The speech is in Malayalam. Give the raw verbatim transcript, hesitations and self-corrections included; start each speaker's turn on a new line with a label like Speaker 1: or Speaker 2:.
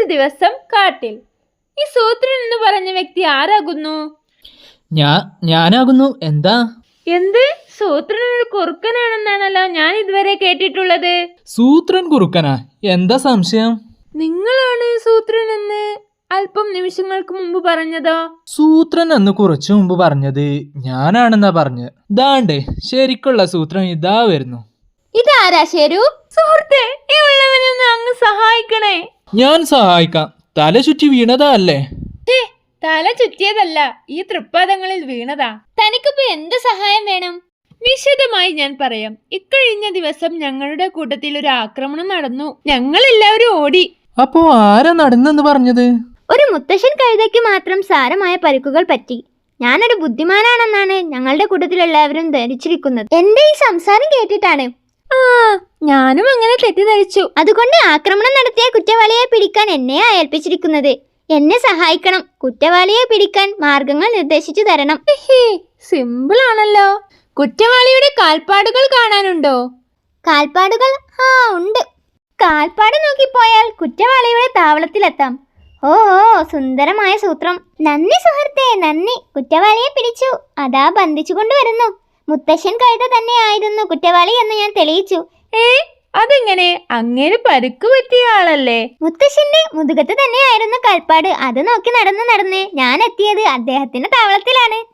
Speaker 1: ഒരു ദിവസം കാട്ടിൽ. ഈ സൂത്രൻ എന്ന് പറഞ്ഞ വ്യക്തി ആരാകുന്നു?
Speaker 2: ഞാ ഞാനാകുന്നു. എന്താ?
Speaker 1: എന്ത്? സൂത്രൻ ഒരു കുറുക്കനാണെന്നാണല്ലോ ഞാൻ ഇതുവരെ കേട്ടിട്ടുള്ളത്.
Speaker 2: സൂത്രൻ കുറുക്കനാ? എന്താ സംശയം?
Speaker 1: നിങ്ങളാണ് സൂത്രൻ എന്ന് അല്പം നിമിഷങ്ങൾക്ക് മുമ്പ് പറഞ്ഞതോ?
Speaker 2: സൂത്രൻ എന്ന് കുറച്ചു മുമ്പ് പറഞ്ഞത് ഞാനാണെന്നാ പറഞ്ഞത്. ദാണ്ടേ ശരിക്കുള്ള സൂത്രൻ ഇതാ വരുന്നു.
Speaker 1: ഇതാരാ ശരു? സുഹൃത്തെ, ഈ ഉള്ളവനൊന്ന് അങ്ങ് സഹായിക്കണേ.
Speaker 2: ഞാൻ സഹായിക്കാം. തല ചുറ്റി വീണതാ അല്ലേ?
Speaker 1: തല ചുറ്റിയതല്ല, ഈ തൃപ്പാദങ്ങളിൽ വീണതാ. തനിക്കിപ്പോ എന്ത് സഹായം വേണം? വിശദമായി ഞാൻ പറയാം. ഇക്കഴിഞ്ഞ ദിവസം ഞങ്ങളുടെ കൂട്ടത്തിൽ ഒരു ആക്രമണം നടന്നു. ഞങ്ങൾ എല്ലാവരും ഓടി.
Speaker 2: അപ്പോ ആരാ നടന്നെന്ന് പറഞ്ഞത്?
Speaker 3: ഒരു മുത്തശ്ശൻ കഴുതയ്ക്ക് മാത്രം സാരമായ പരിക്കുകൾ പറ്റി. ഞാനൊരു ബുദ്ധിമാനാണെന്നാണ് ഞങ്ങളുടെ കൂട്ടത്തിൽ എല്ലാവരും ധരിച്ചിരിക്കുന്നത്. എന്റെ ഈ സംസാരം കേട്ടിട്ടാണ്.
Speaker 1: ആ, ഞാനും അങ്ങനെ തെറ്റിദ്ധരിച്ചു.
Speaker 3: അതുകൊണ്ട് ആക്രമണം നടത്തിയ കുറ്റവാളിയെ പിടിക്കാൻ എന്നെയാ ഏൽപ്പിച്ചിരിക്കുന്നത്. എന്നെ സഹായിക്കണം. കുറ്റവാളിയെ പിടിക്കാൻ മാർഗങ്ങൾ നിർദ്ദേശിച്ചു തരണം.
Speaker 1: സിമ്പിൾ ആണല്ലോ. കുറ്റവാളിയുടെ കാൽപ്പാടുകൾ കാണാനുണ്ടോ?
Speaker 3: കാൽപ്പാടുകൾ? ആ, ഉണ്ട്. കാൽപ്പാട് നോക്കിപ്പോയാൽ കുറ്റവാളിയുടെ താവളത്തിലെത്താം. ഓ ഓ സുന്ദരമായ സൂത്രം. നന്ദി സുഹൃത്തെ, നന്ദി. കുറ്റവാളിയെ പിടിച്ചു. അതാ ബന്ധിച്ചു കൊണ്ടുവരുന്നു. മുത്തശ്ശൻ കഴുത തന്നെയായിരുന്നു കുറ്റവാളി എന്ന് ഞാൻ തെളിയിച്ചു.
Speaker 1: ഏ, അതെങ്ങനെ? അങ്ങനെ പരുക്ക് പറ്റിയ ആളല്ലേ?
Speaker 3: മുത്തശ്ശന്റെ മുതുകത്ത് തന്നെയായിരുന്നു കാൽപ്പാട്. അത് നോക്കി നടന്ന് നടന്ന് ഞാൻ എത്തിയത് അദ്ദേഹത്തിന്റെ താവളത്തിലാണ്.